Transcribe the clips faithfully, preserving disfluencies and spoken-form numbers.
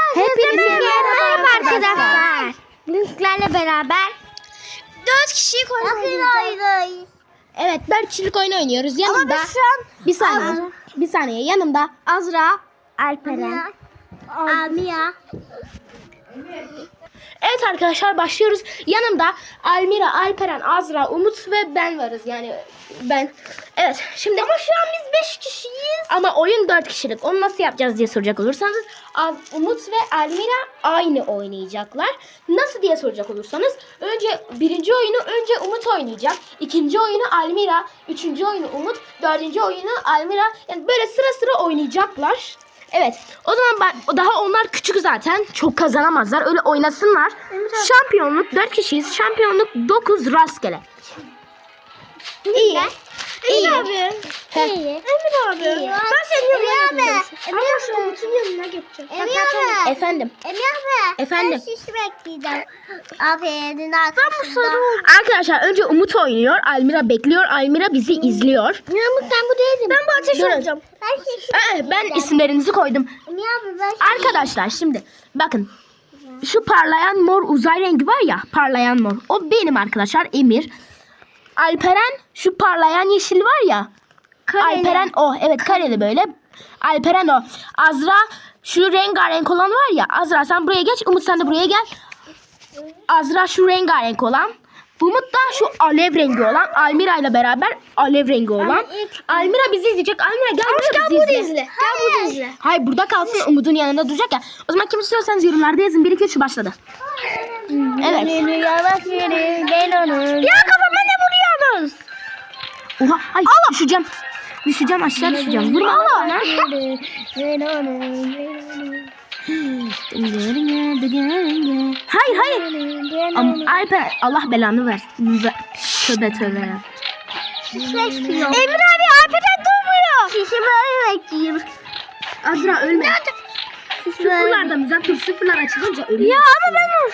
Hepinize merhaba arkadaşlar. Linklerle beraber dört kişilik oyun oynayacağız. Evet, dört kişilik oyun oynuyoruz. Yanımda Ama biz şu an bir saniye. Bir saniye. Yanımda Azra, Alperen, Almira. Evet arkadaşlar, başlıyoruz. Yanımda Almira, Alperen, Azra, Umut ve ben varız. Yani ben. Evet, şimdi ama şu an biz beş kişiyiz. ama oyun dört kişilik. Onu nasıl yapacağız diye soracak olursanız, Az- Umut ve Almira aynı oynayacaklar. Nasıl diye soracak olursanız, önce birinci oyunu önce Umut oynayacak. İkinci oyunu Almira, üçüncü oyunu Umut, dördüncü oyunu Almira. Yani böyle sıra sıra oynayacaklar. Evet. O zaman ben, daha onlar küçük zaten. Çok kazanamazlar. Öyle oynasınlar. Şampiyonluk dört kişiyiz. Şampiyonluk dokuz rastgele. İyi. İyi. Emir abi. He. İyi. Emir abi. İyi. Ben senin yanına Emir abi. geçeceğim. Ama şu Umut'un yanına geçeceğim. Emir abi. Efendim. Emir abi. Efendim. Ben şişi bekleyeceğim. Aferin arkasında. Arkadaşlar önce Umut oynuyor. Almira bekliyor. Almira bizi izliyor. Umut ben bu değilim. Ben bu ateş Durun. olacağım. Ben şişi Ee, ben isimlerinizi koydum. Emir abi ben şişi. Arkadaşlar şimdi bakın. Şu parlayan mor uzay rengi var ya. Parlayan mor. O benim arkadaşlar. Emir. Alperen şu parlayan yeşil var ya. Alperen o. Evet, kareli böyle. Alperen o. Azra şu rengarenk olan var ya. Azra sen buraya geç. Umut sen de buraya gel. Azra şu rengarenk olan. Umut da şu alev rengi olan. Almira ile beraber alev rengi olan. Almira bizi izleyecek. Almira gel buraya bizi izle. Gel burada izle. Hayır, burada kalsın, Umut'un yanında duracak ya. O zaman kim istiyorsanız yorumlarda yazın. bir iki üç başladı. Evet. Yavaş yürü. Gel onu. Ya kafama ne vuruyorsunuz? Oha, ay düşeceğim. Düşeceğim, aşağı düşeceğim. Vurma Allah. Hayır hayır. Am Alper, Allah belanı versin. Ve- Tövbe tövbe. Emir abi Alperen durmuyor. Şişi böyle bekleyeyim. Azra ölme. Sıfırlardan uzak dur. Sıfırlar açılınca ölüyor. Ya ama ben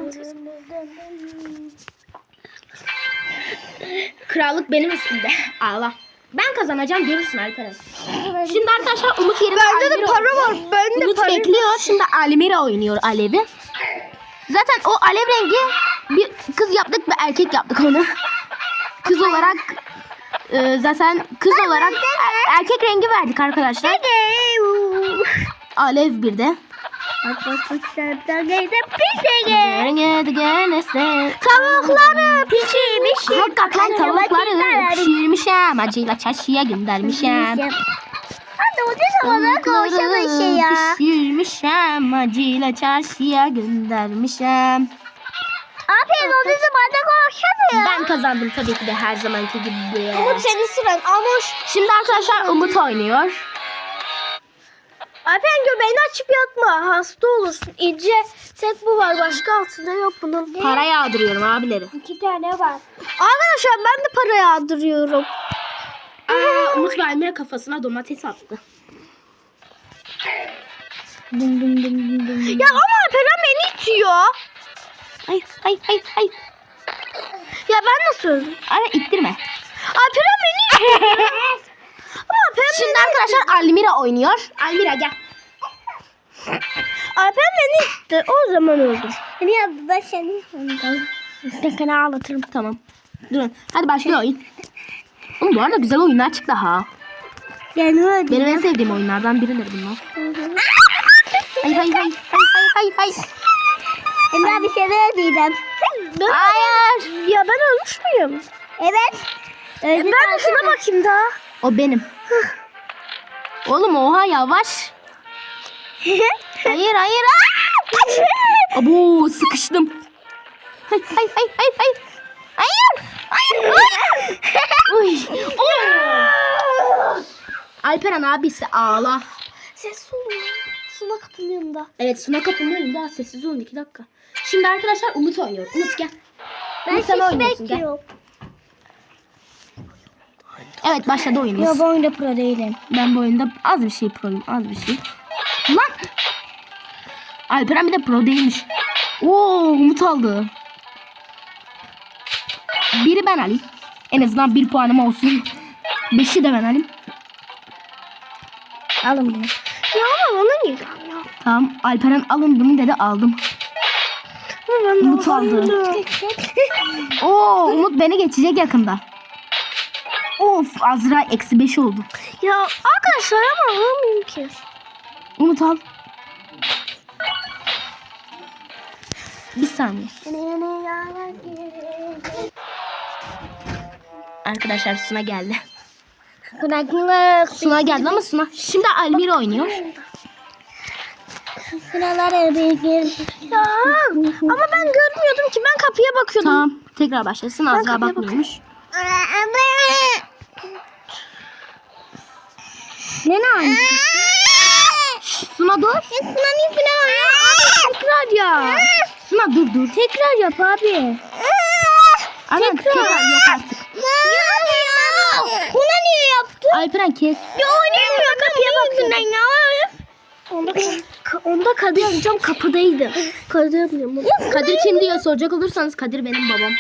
Krallık benim üstümde. Ağla. Ben kazanacağım, görürsün Alperen. Şimdi arkadaşlar Umut yerine Bende de Almira para oynuyor. var. Bende Umut para bekliyor. Şimdi Almira oynuyor Alev'i. Zaten o alev rengi bir kız yaptık ve erkek yaptık onu. Kız olarak e, zaten kız olarak er- erkek rengi verdik arkadaşlar. Alev bir de. Tavukları pişirmiş. Hakikaten tavukları pişirmişim. Acıyla çarşıya göndermişim. Hadi o ne zamana konuşalım şey ya. Pişirmişim. Acıyla çarşıya göndermişim. Aferin o ne zamana konuşalım. Ben kazandım tabii ki de her zamanki gibi. Umut senin sıran. Amoş. Şimdi arkadaşlar Umut oynuyor. Alperen göbeğini açıp yatma. Hasta olursun. İnce tek bu var. Başka altında yok bunun. Para yağdırıyorum abileri. İki tane var. Arkadaşlar ben de para yağdırıyorum. Aa, Umut ve Almira kafasına domates attı. Ya ama Alperen beni itiyor. Hayır hayır hayır hayır. Ya ben nasıl öldüm? Ara ittirme. Alperen beni itiyor. Ama Alperen Şimdi arkadaşlar Almira oynuyor. Almira gel. Alperen beni itti. O zaman öldüm. Emir abi ben seni sandım. Ben seni ağlatırım. Tamam. Durun. Hadi başlıyor oyun. Oğlum bu arada güzel oyunlar çıktı ha. Yani öyle. Benim en sevdiğim oyunlardan biridir bunlar. Hayır hayır hayır hayır hayır hayır. Emir abi seni ödeyeceğim. Hayır. Ya ben ölmüş müyüm? Evet. Ben de şuna bakayım daha. O benim. Oğlum oha yavaş. Hayır hayır. Aa! Abo sıkıştım. Hayır hayır hayır hayır hayır. Hayır. Hayır. Hayır. Uy. Oo. Alperen abisi ağla. Ses oluyor. Suna kapının yanında. Evet, Suna kapının önünde. Daha sessiz olun iki dakika. Şimdi arkadaşlar Umut oynuyor. Umut gel. Ben Umut sen şişi oynuyorsun gel. bekliyorum. Evet başladı oyunumuz. Ya bu oyunda pro değilim. Ben bu oyunda az bir şey proyum. Az bir şey. Lan. Alperen bir de pro değilmiş. Oo Umut aldı. Biri ben alayım. En azından bir puanım olsun. Beşi de ben alayım. Alın bunu. Ya ama bana niye? Ya. Tamam. Alperen alındı mı dedi, aldım. Umut aldı. Oo, Umut beni geçecek yakında. Of, Azra eksi beş oldu. Ya arkadaşlar ama alamıyorum ki. Umut al. Bir saniye. Arkadaşlar Suna geldi. Bırakmak. Suna geldi ama Suna. Şimdi Almira oynuyor. Sıralara bir Ya ama ben görmüyordum ki, ben kapıya bakıyordum. Tamam. Tekrar başlasın. Azra kapıya bakmıyormuş. Ne ne? Suna dur. Tsunami falan oluyor. Tekrar ya. Suna dur dur. Tekrar yap abi. Aynen, tekrar yok artık. Buna niye yaptın? Alperen kes. Ya oynayamıyor, kapıya bakıyorum. Onda, onda Kadir amcam kapıdaydı. Kadir amcam. Kadir kim diye soracak olursanız Kadir benim babam.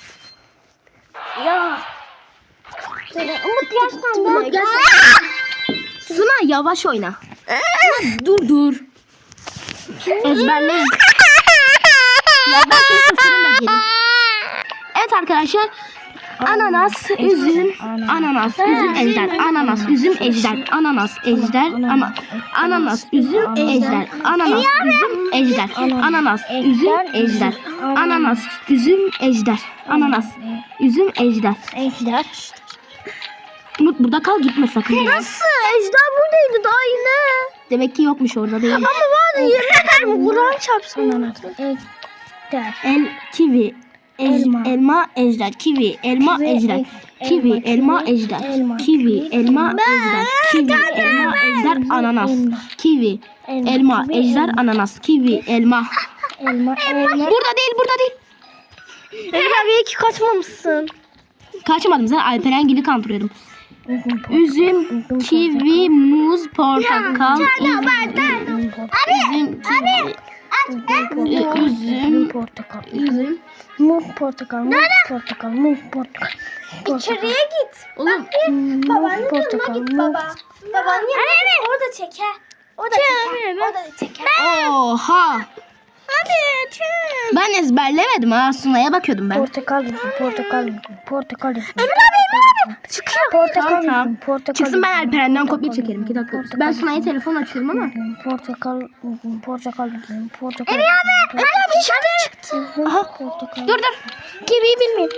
Ya. Umut yaşlandı. Umut gel. Suna yavaş oyna. Suna, dur dur. Ezberleyin. Ya ben kimse söylemedim. Evet arkadaşlar. Ananas, üzüm, ananas, üzüm, ejder, ananas, üzüm, ejder, ananas, ejder, ama ananas, üzüm, ejder, ananas, üzüm, ejder, ananas, üzüm, ejder, ananas, üzüm, ejder, ananas, üzüm, ejder. Ejder. Umut burada kal, gitme sakın. Nasıl? Ejder buradaydı daha yine. Demek ki yokmuş orada değil. Ama vardı, yemin ederim. Kur'an çarpsın ananas. Ejder. El, kivi, ej- Elma. elma, ejder, kivi, elma, Kivi, ejder, el- kivi, elma, elma, kivi, ejder, elma, kivi, elma, ejder, kivi, elma, ejder, ananas, elma. kivi, Elma, elma, kivi, ejder, elma. ananas, kivi, elma. Elma, elma. Burada değil, burada değil. Emir abi iyi ki kaçmamışsın. Kaçmadım, sen Alperen gibi kandırıyordum. Üzüm, kivi, muz, portakal, üzüm, üzüm, kivi, üzüm, Portakal. üzüm. Muz portakal. Muz portakal. Muz portakal. İçeriye git. Oğlum, Muz portakal. Muz. Babanın yanına orada çeker. Orada çeker. Orada çeker. oha. Hadi çek. Ben ezberlemedim ha, Sunay'a bakıyordum ben. Portakal. Portakal. Portakal. Emir abi Emir abi. Çıkıyor. Portakal. Tamam, tamam. Portakal. Çıksın, ben Alperen'den kopya çekerim. iki dakika. Ben Sunay'a telefon açıyorum ama. Portakal. Portakal. Portakal. Emir abi. Emir abi dışarı çıktı. Aha. Portakal. Dur dur. Kiviyi bilmiyorum.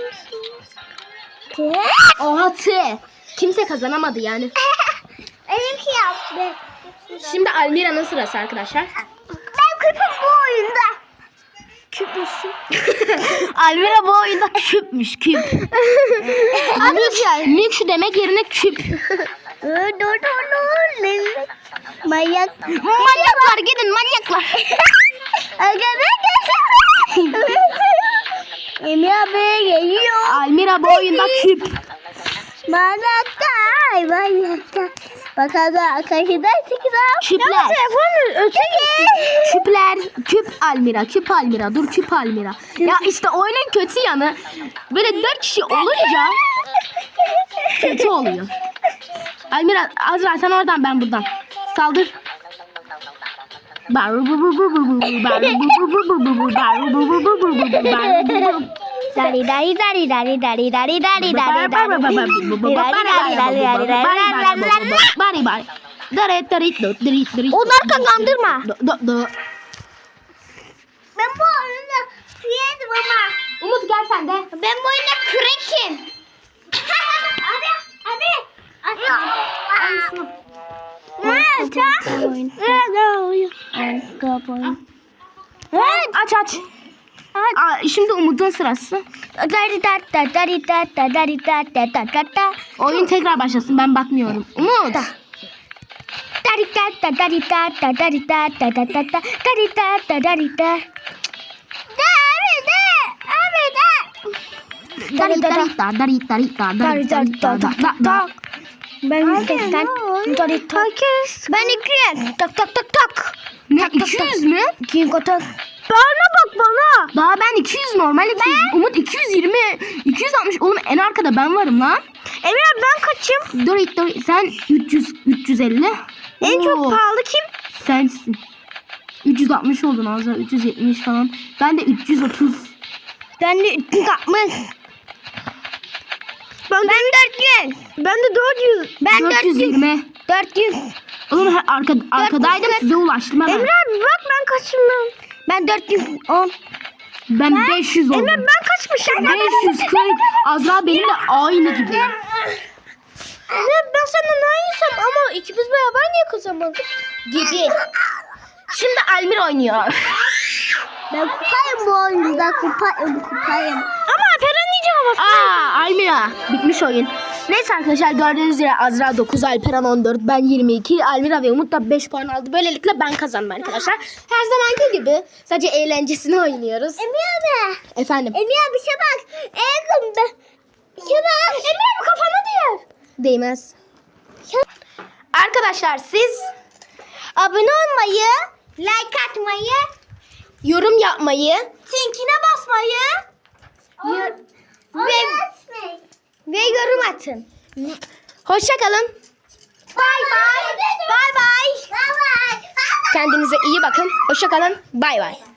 Oha tı. Kimse kazanamadı yani. Benimki yaptı. Şimdi Almira'nın sırası arkadaşlar. Ben küpüm bu oyunda. Küp müsün? Almira bu oyunda küpmüş, küp. Mülk, mülk şu demek yerine küp. Dur dur dur dur. Manyak. Manyaklar gidin, manyaklar. Emir abi geliyor. Almira bu oyunda küp. Manyaklar. Manyaklar. Bakalım karşıdan çıkacağım. Küpler. Telefonun öteki. Küpler, küp Almira, küp Almira, dur küp Almira. Ya işte oyunun kötü yanı, böyle dört kişi olunca kötü oluyor. Almira, Azra sen oradan, ben buradan. Saldır. Dari dari dari dari dari dari dari dari Bari bari. Daret darit dot darit darit. Onları kandırma. Do do. Ben bu oyunda yedim ama. Umut gel sen de. Ben bu oyunda crack'im. Abi abi. Evet, aç aç. Aa, şimdi Umut'un sırası. Oyun tekrar başlasın, ben bakmıyorum. Umut. Dari dari da dari dari da dari dari da da da da. Ben yüzden dari tak. Ben iki tak tak tak tak. Ne, iki yüz mü? İki tak. Bana bak bana. Daha ben iki yüz, normal iki yüz. Umut iki yüz yirmi, iki yüz altmış. Oğlum en arkada ben varım lan. Emir abi ben kaçım? Dur dur, sen üç yüz, üç yüz elli. En çok Oo, pahalı kim? sensin. üç yüz altmış oldun Azra. üç yüz yetmiş falan. Ben de üç yüz otuz. Ben de üç yüz altmış. Ben, ben dört yüz. Ben de dört yüz. Ben dört yüz yirmi. dört yüz. Oğlum he- arka, arkadaydım size ulaştım hemen. Emre abi bak ben kaçım ben. Ben dört yüz on. Ben beş yüz oldum. Emre ben kaçmışım? beş yüz kırk. Azra benimle aynı gibi. Ne ben senden aynısam ama ikimiz beraber niye kazanmadık? Gibi. Şimdi Almir oynuyor. Ben kupayım bu oyunda kupayım kupayım. Ama Alperen diyeceğim ama. Aa Almira. Bitmiş oyun. Neyse arkadaşlar gördüğünüz üzere Azra dokuz, Alperen on dört, ben yirmi iki, Almira ve Umut da beş puan aldı. Böylelikle ben kazandım arkadaşlar. Her zamanki gibi sadece eğlencesini oynuyoruz. Emre abi. Efendim. Emre abi şey bak. Eğer ben. Şey bak. Emre abi kafana diyor. Değmez. Arkadaşlar siz Abone olmayı, like atmayı, yorum yapmayı zinkine basmayı ve, ve yorum atın. hoşça kalın. Bye bye. Bye bye. Bye bye. Kendinize iyi bakın. Hoşça kalın. Bay bay.